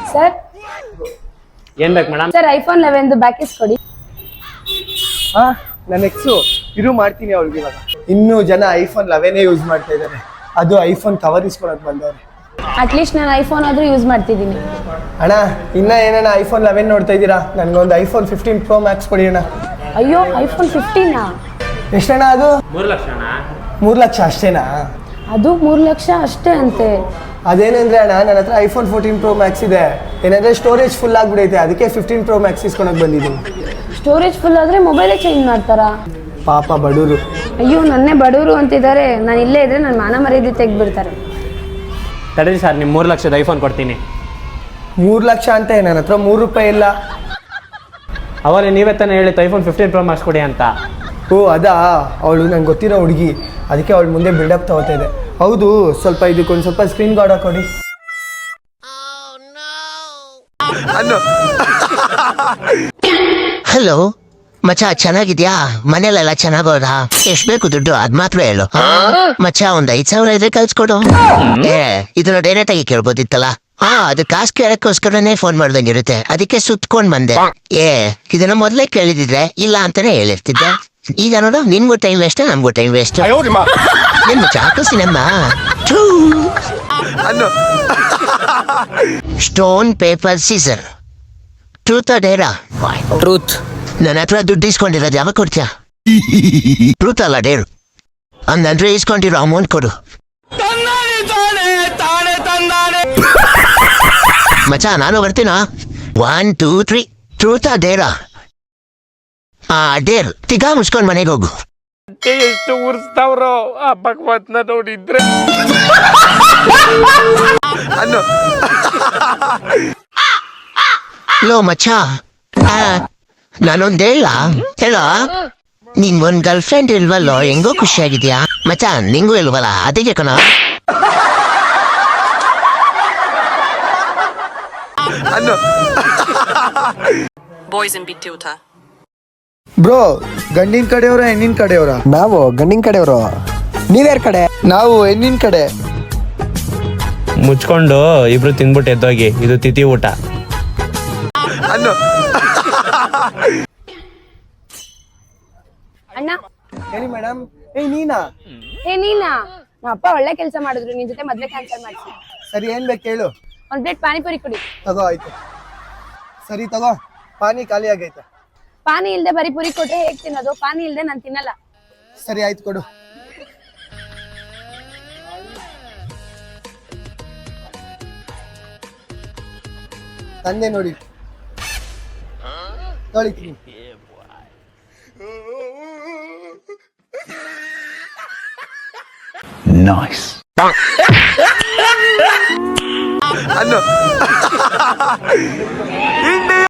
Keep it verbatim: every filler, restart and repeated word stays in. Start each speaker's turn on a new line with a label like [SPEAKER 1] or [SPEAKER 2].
[SPEAKER 1] Sir
[SPEAKER 2] ಏನ್ ಬೇಕು madam?
[SPEAKER 1] Sir iPhone eleven back ಇಸ್ಕೊಡಿ.
[SPEAKER 3] ಹಾ ನನ್ನ ಎಕ್ಸು ಇರು ಮಾಡ್ತೀನಿ ಅವಳಿಗೆ ಇವಾಗ. ಇನ್ನೂ ಜನ ಐಫೋನ್ ಲೆವೆನೇ ಯೂಸ್ ಮಾಡ್ತಾ ಇದ್ದಾರೆ, ಅದು ಐಫೋನ್ ಕವರ್ ಇಸ್ಕೊಳಕ್ ಬಂದವ್ರೆ.
[SPEAKER 1] ಅಟ್ಲೀಸ್ಟ್ ನಾನು ಐಫೋನ್ ಆದ್ರೂ ಯೂಸ್ ಮಾಡ್ತಿದ್ದೀನಿ.
[SPEAKER 3] ಅಣ್ಣ ಇನ್ನ ಏನಣ್ಣ ಐಫೋನ್ ಲೆವೆನ್ ನೋಡ್ತಾ ಇದ್ದೀರಾ? ನನ್ಗೊಂದು ಐಫೋನ್ ಫಿಫ್ಟೀನ್ ಪ್ರೋ ಮ್ಯಾಕ್ಸ್ ಕೊಡಿ ಅಣ್ಣ.
[SPEAKER 1] ಅಯ್ಯೋ ಐಫೋನ್ ಫಿಫ್ಟೀನಾ?
[SPEAKER 3] ಎಷ್ಟಣ್ಣ ಅದು?
[SPEAKER 2] ಮೂರು ಲಕ್ಷ ಅಣ್ಣ.
[SPEAKER 3] ಮೂರು ಲಕ್ಷ ಅಷ್ಟೇನಾ?
[SPEAKER 1] ಅದು ಮೂರು ಲಕ್ಷ ಅಷ್ಟೇ ಅಂತೆ.
[SPEAKER 3] ಅದೇನಂದ್ರೆ ಅಣ್ಣ ನನ್ನ ಹತ್ರ ಐಫೋನ್ ಫೋರ್ಟೀನ್ ಪ್ರೋ ಮ್ಯಾಕ್ಸ್ ಇದೆ, ಏನಂದ್ರೆ ಸ್ಟೋರೇಜ್ ಫುಲ್ ಆಗ್ಬಿಡೈತೆ, ಅದಕ್ಕೆ ಫಿಫ್ಟೀನ್ ಪ್ರೋ ಮ್ಯಾಕ್ಸ್ ಇಸ್ಕೊಳಕ್ ಬಂದಿದ್ದೀನಿ.
[SPEAKER 1] ಸ್ಟೋರೇಜ್ ಫುಲ್ ಆದ್ರೆ ಮೊಬೈಲೇ ಚೇಂಜ್ ಮಾಡ್ತಾರಾ?
[SPEAKER 3] ಪಾಪ ಬಡವರು.
[SPEAKER 1] ಅಯ್ಯೋ ನನ್ನೇ ಬಡವರು ಅಂತಿದ್ದಾರೆ, ನಾನು ಇಲ್ಲೇ ಇದ್ರೆ ನನ್ನ ಮಾನ ಮರ್ಯಾದೆ ತೆಗ್ಬಿಡ್ತಾರೆ.
[SPEAKER 2] ತಡೀರಿ ಸರ್, ನಿಮ್ಮ ಮೂರು ಲಕ್ಷದ ಐಫೋನ್ ಕೊಡ್ತೀನಿ.
[SPEAKER 3] ಮೂರು ಲಕ್ಷ ಅಂತ ನನ್ನ ಹತ್ರ ಮೂರು ರೂಪಾಯಿ ಇಲ್ಲ.
[SPEAKER 2] ಅವಾಗ ನೀವೇ ತಾನೇ ಹೇಳಿತ್ತು ಐಫೋನ್ ಫಿಫ್ಟೀನ್ ಪ್ರೋ ಮ್ಯಾಕ್ಸ್ ಕೊಡಿ ಅಂತ.
[SPEAKER 3] ಓ ಅದಾ, ಅವಳು ನಂಗೆ ಗೊತ್ತಿರೋ ಹುಡುಗಿ, ಅದಕ್ಕೆ ಅವಳು ಮುಂದೆ ಬಿಲ್ಡಪ್ ತಗೋತಾ ಇದೆ. ಹೌದು, ಸ್ವಲ್ಪ ಇದಕ್ಕೊಂದು ಸ್ವಲ್ಪ ಸ್ಕ್ರೀನ್ ಗಾರ್ಡ್ ಹಾಕೊಡಿ.
[SPEAKER 4] ಹಲೋ ಮಚ್ಚ, ಚೆನ್ನಾಗಿದ್ಯಾ? ಮನೇಲೆಲ್ಲ ಚೆನ್ನಾಗೋದಾ? ಎಷ್ಟ್ ಬೇಕು ದುಡ್ಡು ಅದ್ ಮಾತ್ರ ಹೇಳು. ಮಚ್ಚ ಒಂದ್ ಐದ್ ಸಾವಿರ ಇದ್ರೆ ಕಳ್ಸ್ಕೊಡು. ಏ ಇದನ್ನ ಡೈರೆಕ್ಟ್ ಆಗಿ ಕೇಳ್ಬೋದಿತ್ತಲ್ಲ. ಹಾ ಅದು ಕಾಸು ಕೇಳಕ್ಕೋಸ್ಕರನೇ ಫೋನ್ ಮಾಡ್ದಂಗಿರುತ್ತೆ, ಅದಕ್ಕೆ ಸುತ್ಕೊಂಡ್ ಬಂದೆ. ಏ ಇದನ್ನ ಮೊದ್ಲೇ ಕೇಳಿದಿದ್ರೆ ಇಲ್ಲ ಅಂತಾನೆ ಹೇಳಿರ್ತಿದ್ದೆ. ಈಗ ನೋಡು, ನಿನ್ಗೂ ಟೈಮ್ ವೇಸ್ಟ್, ನಮ್ಗೂ ಟೈಮ್ ವೇಸ್ಟ್. ನಿನ್ ಚಾಕು cinema stone paper scissor. Truth ಡೇರಾ?
[SPEAKER 2] ಟ್ರೂತ್.
[SPEAKER 4] ನನ್ನ ಹತ್ರ ದುಡ್ಡು ಇಸ್ಕೊಂಡಿರೋದು ಯಾವಾಗ ಕೊಡ್ತೀಯ? ಟ್ರೂತ್ ಅಲ್ಲ ಡೇರು. ಹಂಗಂದ್ರೆ ಇಸ್ಕೊಂಡಿರೋ ಅಮೌಂಟ್ ಕೊಡು. ಮಚ್ಚ ನಾನು ಬರ್ತೀನ. One two three. ಟ್ರೂತ್ ಡೇರಾ? ಆ ಡೇರ್ ತಿಗಾ ಮುಚ್ಕೊಂಡ್ ಮನೆಗೆ ಹೋಗು.
[SPEAKER 2] ಎಷ್ಟು ಉರ್ಸ್ತಾವ್ರೋ ಆ ಭಗವತ್ನ ನೋಡಿದ್ರೆ.
[SPEAKER 4] ಲೋ ಮಚ್ಚ, ನಾನೊಂದ್ ಹೇಳ ಹೇಳ ನಿನ್ ಒಂದ್ ಗರ್ಲ್ ಫ್ರೆಂಡ್ ಇಲ್ವಲ್ಲೋ, ಹೆಂಗೋ ಖುಷಿಯಾಗಿದ್ಯಾ ಮಚ್ಚ? ನಿಂಗೂ ಇಲ್ವಲ್ಲ, ಅದಕ್ಕೆ ಕಣ.
[SPEAKER 5] Boys in big tutor.
[SPEAKER 3] Bro, ಗಂಡಿನ ಕಡೆಯವರ ಹೆಣ್ಣಿನ ಕಡೆಯವರ?
[SPEAKER 6] ನಾವು ಗಂಡಿನ ಕಡೆಯವರು. ನೀವ್ಯಾರ ಕಡೆ?
[SPEAKER 3] ನಾವು ಹೆಣ್ಣಿನ ಕಡೆ.
[SPEAKER 2] ಮುಚ್ಕೊಂಡು ಇಬ್ರು ತಿಂದ್ಬಿಟ್ಟು ಎದ್ದೋಗಿ, ಇದು ತಿಥಿ ಊಟ.
[SPEAKER 1] ಅಣ್ಣ
[SPEAKER 3] ಹೇಳಿ ಮೇಡಮ್. ಏಯ್ ನೀನಾ?
[SPEAKER 1] ಏ ನೀನಾ? ನಮ್ಮ ಅಪ್ಪ ಒಳ್ಳೆ ಕೆಲಸ ಮಾಡಿದ್ರು, ನಿನ್ ಜೊತೆ ಮದ್ವೆ ಕ್ಯಾನ್ಸಲ್ ಮಾಡಿಸಿ.
[SPEAKER 3] ಸರಿ, ಏನ್ ಬೇಕು ಹೇಳು.
[SPEAKER 1] ಒಂದ್ ಪ್ಲೇಟ್ ಪಾನಿಪುರಿ ಕೊಡಿ.
[SPEAKER 3] ತಗೋ ಆಯ್ತು. ಸರಿ ತಗೋ, ಪಾನಿ ಖಾಲಿ ಆಗೈತೆ.
[SPEAKER 1] ಪಾನಿ ಇಲ್ದೆ ಬರೀ ಪುರಿ ಕೊಟ್ರೆ ಹೇಗ್ ತಿನ್ನೋದು? ಪಾನಿ ಇಲ್ದೆ ನಾನು ತಿನ್ನಲ್ಲ.
[SPEAKER 3] ಸರಿ ಆಯ್ತು ಕೊಡು. ತಂದೆ ನೋಡಿ, ತೊಳಿತೀನಿ.
[SPEAKER 6] ನೈಸ್.